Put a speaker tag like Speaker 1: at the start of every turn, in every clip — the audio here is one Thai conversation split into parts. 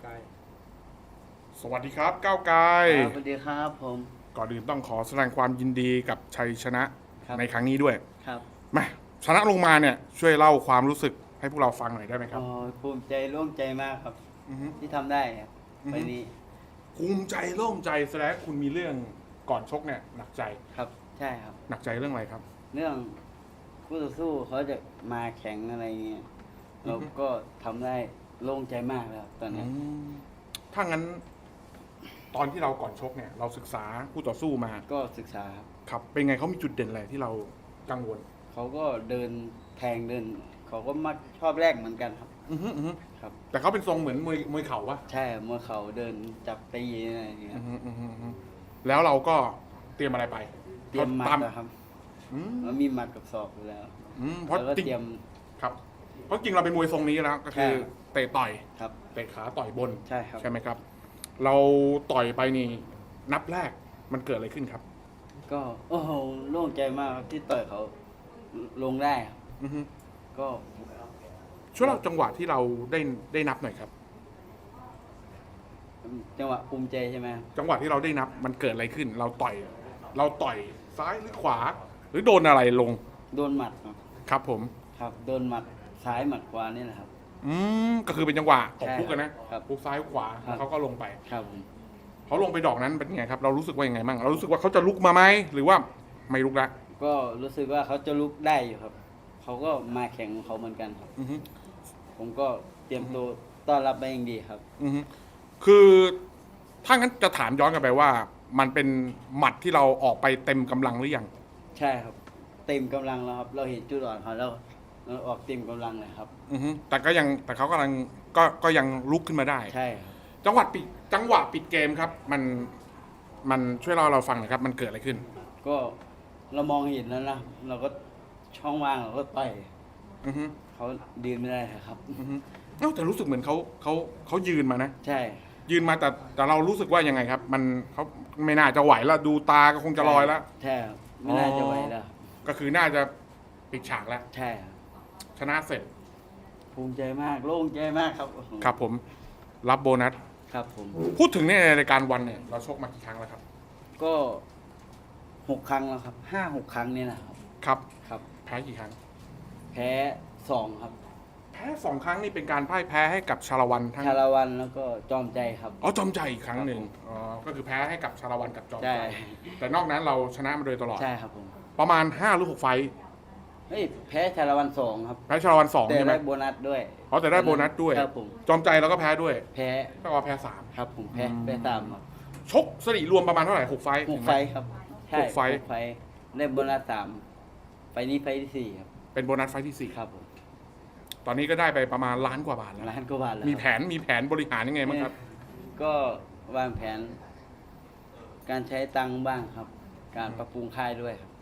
Speaker 1: ไกล
Speaker 2: สวัสดีครับก้าวไกล
Speaker 3: สวัสดีครับผม
Speaker 2: ก่อนอื่นต้องขอแสดงความยินดีกับชัยชนะในครั้งนี้ด้วย
Speaker 3: ครับ
Speaker 2: มาชนะลงมาเนี่ยช่วยเล่าความรู้สึกให้พวกเราฟังหน่อยได้ไหมครับ
Speaker 3: ภูมิใจโล่งใจมากครับที่ทำได้ครับไปนี้
Speaker 2: ภูมิใจโล่งใจแสดงคุณมีเรื่องก่อนชกเนี่ยหนักใจ
Speaker 3: ครับใช่ครับ
Speaker 2: หนักใจเรื่องอะไรครับ
Speaker 3: เรื่องคู่ต่อสู้เขาจะมาแข่งอะไรเงี้ยเราก็ทำได้โล่งใจมากแล้วตอนนี้
Speaker 2: ถ้างั้นตอนที่เราก่อนชกเนี่ยเราศึกษาคู่ต่อสู้มา
Speaker 3: ก็ศึกษา
Speaker 2: ครับเป็นไงเขามีจุดเด่นอะไรที่เรากังวล
Speaker 3: เขาก็เดินแทงเดินเขาก็มักชอบแรกเหมือนกันครับครับ
Speaker 2: แต่เขาเป็นทรงเหมือนมวยเข่าปะ
Speaker 3: ใช่เมื่อเขาเดินจับตีอะไรอย่างเงี้ย
Speaker 2: แล้วเราก็เตรียมอะไรไป
Speaker 3: เตรียมหมัดนะครับแล้วมีหมัดกับศอกอยู่แล้ว
Speaker 2: เพราะ
Speaker 3: เตรียม
Speaker 2: ครับเพราะจริงเราเป็นมวยทรงนี้แล้วก็คือเตะต่อย
Speaker 3: ครับ
Speaker 2: เตะขาต่อยบน
Speaker 3: ใช่ครับ
Speaker 2: ใช่ไหมครับเราต่อยไปนี่นับแรกมันเกิดอะไรขึ้นครับ
Speaker 3: ก็โอ้โหโล่งใจมากที่ต่อยเขาลงได้ครับก็
Speaker 2: ช่วยเล่าจังหวะที่เราได้นับหน่อยครับ
Speaker 3: จังหวะภูมิใจใช่ไหม
Speaker 2: จังหวะที่เราได้นับมันเกิดอะไรขึ้น เราต่อยซ้ายหรือขวา หรือโดนอะไรลง
Speaker 3: โดนหมัด
Speaker 2: ครับผม
Speaker 3: ครับโดนหมัดซ้ายหมัดขวานี่แหละครับ
Speaker 2: ก็คือเป็นจังหวะตบพุกกันนะพุกซ้ายขวาแล้วเขาก็ลงไป
Speaker 3: ครับ
Speaker 2: เขาลงไปดอกนั้นเป็นไงครับเรารู้สึกว่ายังไงบ้างเรารู้สึกว่าเขาจะลุกมาไหมหรือว่าไม่ลุกละ
Speaker 3: ก็รู้สึกว่าเขาจะลุกได้อยู่ครับเขาก็มาแข่งของเขาเหมือนกันครับผมก็เตรียมตัวต้อนรับไปอย่างดีครับ
Speaker 2: คือถ้างั้นจะถามย้อนกลับไปว่า มันเป็นหมัดที่เราออกไปเต็มกำลังหรือยัง
Speaker 3: ใช่ครับเต็มกำลังแล้วครับเราเห็นจุดอ่อนเขาแล้วเราออกเต็มกำลังเลยครับ
Speaker 2: แต่เขากำลังก็ยังลุกขึ้นมาได้
Speaker 3: ใช่
Speaker 2: จังหวะปิดเกมครับ มันช่วยเราฟังหน่อยครับ มันเกิดอะไรขึ้น
Speaker 3: ก็เรามองเห็นแล้วนะเราก็ช่องว่างเราก็ต่อยเขายืนไม่ได้ครับ
Speaker 2: แต่รู้สึกเหมือนเขายืนมานะ
Speaker 3: ใช่
Speaker 2: ยืนมาแต่เรารู้สึกว่ายังไงครับ มันเขาไม่น่าจะไหวแล้วดูตาก็คงจะลอยแล้ว
Speaker 3: ใช่ไม่น่าจะไหวแล้ว
Speaker 2: ก็คือน่าจะปิดฉากแล้ว
Speaker 3: ใช่
Speaker 2: ชนะเสร็จ
Speaker 3: ภูมิใจมากโล่งใจมากครับ
Speaker 2: ครับผมรับโบนัส
Speaker 3: ครับผม
Speaker 2: พูดถึงในรายการวันเนี่ยเราชกมากี่ครั้งแล้วครับ
Speaker 3: ก็6 ครั้งแล้วครับ5-6 ครั้งเนี่ยนะครับ
Speaker 2: ครับแพ้กี่ครั้ง
Speaker 3: แพ้2ครับ
Speaker 2: แพ้2 ครั้งนี่เป็นการพ่ายแพ้ให้กับชาละวันทั้ง
Speaker 3: ชาละวันแล้วก็จอมใจครับ
Speaker 2: จอมใจอีกครั้งหนึ่งก็คือแพ้ให้กับชาละวันกับจอมใจแต่นอกนั้นเราชนะมาโดยตลอด
Speaker 3: ใช่ครับผม
Speaker 2: ประมาณ5 หรือ 6 ไฟต์
Speaker 3: แพ้ชาละวัน2ครับ
Speaker 2: แพ้ชาละวัน2ใช่ไหม
Speaker 3: แต่ได้โบนัสด้วย
Speaker 2: แต่ได้โบนัสด้วย
Speaker 3: ครับผม
Speaker 2: จอมใจเราก็แพ้ด้วย
Speaker 3: แพ้
Speaker 2: ก็แพ้3
Speaker 3: ครับผมแพ้3ครับ
Speaker 2: ชกสถิติรวมประมาณเท่าไหร่6 ไฟต์
Speaker 3: 6 ไฟต์ครับใช่
Speaker 2: 6 ไฟต์
Speaker 3: ได้โบนัส3ไฟนี้ไฟที่4ครับ
Speaker 2: เป็นโบนัสไฟที่4
Speaker 3: ครับผม
Speaker 2: ตอนนี้ก็ได้ไปประมาณ1 ล้านกว่าบาทแล้ว
Speaker 3: 1 ล้านกว่าบาทแล้ว
Speaker 2: มีแผนบริหารยังไงบ้างครับ
Speaker 3: ก็วางแผนการใช้ตังค์บ้างครับการปรับปรุงค่ายด้วยครับ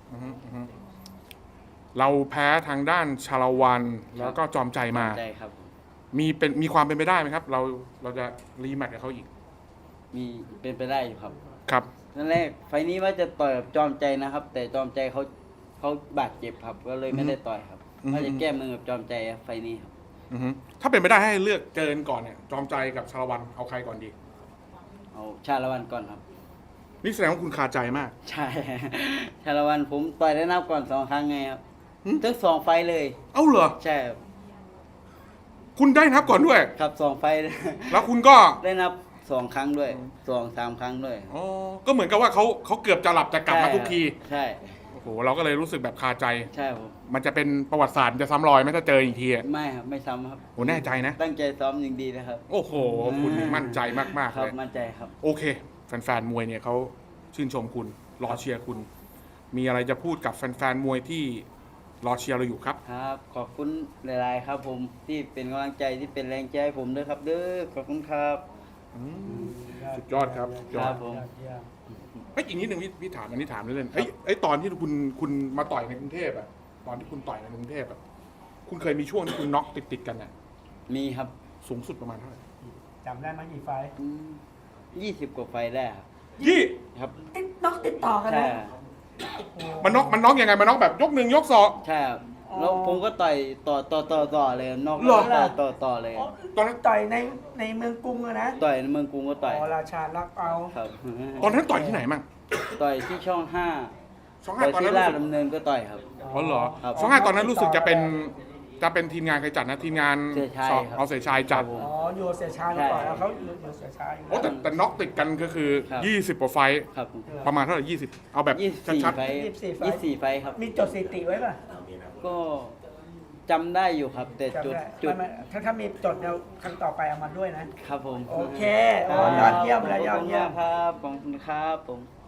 Speaker 2: เราแพ้ทางด้านชาละวันแล้วก็จอมใจมา
Speaker 3: ใช่ครับ
Speaker 2: มีความเป็นไปได้ไหมครับเราจะรีแมตช์กับเขาอีก
Speaker 3: มีเป็นไปได้อยู่ครับ
Speaker 2: ครับ
Speaker 3: นั่นแรกไฟนี้ว่าจะต่อยกับจอมใจนะครับ แต่จอมใจเขาบาดเจ็บครับก็เลยไม่ได้ต่อยครับว่าจะแก้มือกับจอมใจไฟนี้ครับ
Speaker 2: ถ้าเป็นไปได้ให้เลือกเจอก่อนเนี่ยจอมใจกับชาละวันเอาใครก่อนดี
Speaker 3: เอาชาละวันก่อนครับ
Speaker 2: นี่แสดงว่าคุณคาใจมาก
Speaker 3: ใช่ชาละวันผมต่อยได้นับก่อน2 ครั้งไงครับทั้ง2 ไฟเลย
Speaker 2: เหรอ
Speaker 3: ใช่
Speaker 2: คุณได้นับก่อนด้วย
Speaker 3: ครับ2 ไฟ
Speaker 2: แล้วคุณก็
Speaker 3: ได้นับ2 ครั้งด้วย2-3 ครั้งด้วย
Speaker 2: ก็เหมือนกับว่าเขาเกือบจะหลับจะกลับมาทุกที
Speaker 3: ใช่
Speaker 2: โอ้โหเราก็เลยรู้สึกแบบคาใจ
Speaker 3: ใช่ผม
Speaker 2: มันจะเป็นประวัติศาสตร์จะซ้ำรอยไหมถ้าเจออีกที
Speaker 3: ไม่ครับไม่ซ้ำครับ
Speaker 2: โอ้แน่ใจนะ
Speaker 3: ตั้งใจซ้อมอย่างดีนะครับ
Speaker 2: โอ้โหคุณมั่นใจมากๆ
Speaker 3: เลยมั่นใจครับ
Speaker 2: โอเคแฟนๆมวยเนี่ยเขาชื่นชมคุณรอเชียร์คุณมีอะไรจะพูดกับแฟนๆมวยที่รอเชียร์เราอยู่ครับ
Speaker 3: ครับขอบคุณหลายๆครับผมที่เป็นกำลังใจที่เป็นแรงใจให้ผมด้วยครับขอบคุณครับ
Speaker 2: สุดยอดครับ
Speaker 3: ครับผม
Speaker 2: อีกนิดนึงพี่ถามอันนี้ถามเล่นๆตอนที่คุณมาต่อยในกรุงเทพอะตอนที่คุณต่อยในกรุงเทพอะคุณเคยมีช่วงที่คุณน็อกติดกันอะ
Speaker 3: มีครับ
Speaker 2: สูงสุดประมาณเท่าไหร่
Speaker 1: จำได้ไหมกี่ไฟ
Speaker 3: 20 กว่าไฟได้ครับครับ
Speaker 1: น็อกติดต่อกันเลย
Speaker 2: มันน็อกยังไงมันน็อกแบบยก1 ยก 2
Speaker 3: ใช่ครับแล้วผมก็ต่อยต่อเลยนอก
Speaker 2: เหรอ
Speaker 3: ต่อเลย
Speaker 1: อ๋อ
Speaker 2: ตอนนั้น
Speaker 1: ต่อยในเมืองกรุงอะนะ
Speaker 3: ต่อยในเมืองกรุงก็ต่อย
Speaker 1: อ๋อราชารักเอา
Speaker 3: ครับ
Speaker 2: ตอนนั้นต่อยที่ไหนมั่ง
Speaker 3: ต่อยที่ช่องห้า
Speaker 2: ช่อง
Speaker 3: ต่
Speaker 2: ห้า
Speaker 3: อย
Speaker 2: ตอน
Speaker 3: ที่
Speaker 2: นั้น
Speaker 3: รา
Speaker 2: รู้
Speaker 3: ช
Speaker 2: สึก
Speaker 3: ดำเนินก็ต่อยครับ
Speaker 2: อ๋อเหรอ
Speaker 3: ครับ
Speaker 2: ช่องห้าตอนนั้นรู้สึกจะเป็นทีมงานใครจัดนะทีมงาน
Speaker 3: เสียชัยครับ
Speaker 2: เอาเสียชายจัด
Speaker 3: ครับผม
Speaker 1: อ๋ออยู่เสียชายมาก่อนแล้วเขาอยู่เสียชายอยู่
Speaker 2: โอ้แต่น็อกติดกันก็คือ
Speaker 3: ครับ
Speaker 2: 20กว่าไฟต์
Speaker 3: ครับ
Speaker 2: ประมาณเท่าไหร่20 เอาแบบ
Speaker 3: 24
Speaker 2: ชัด
Speaker 3: ไฟท์24ไฟท์ครับ
Speaker 1: มีจดสถิติไว้ป่ะ
Speaker 3: ก็จำได้อยู่ครับ แต่
Speaker 1: จำ
Speaker 3: จุด
Speaker 1: ได้
Speaker 3: จุด
Speaker 1: ไม่ถ้ามีจดเดี๋ยวครั้งต่อไปเอามาด้วยนะ
Speaker 3: ครับผม
Speaker 1: โอเคโอ้ยอดเยี่ยมเลยยอดเยี่ยม
Speaker 3: ครับขอบคุณครับผม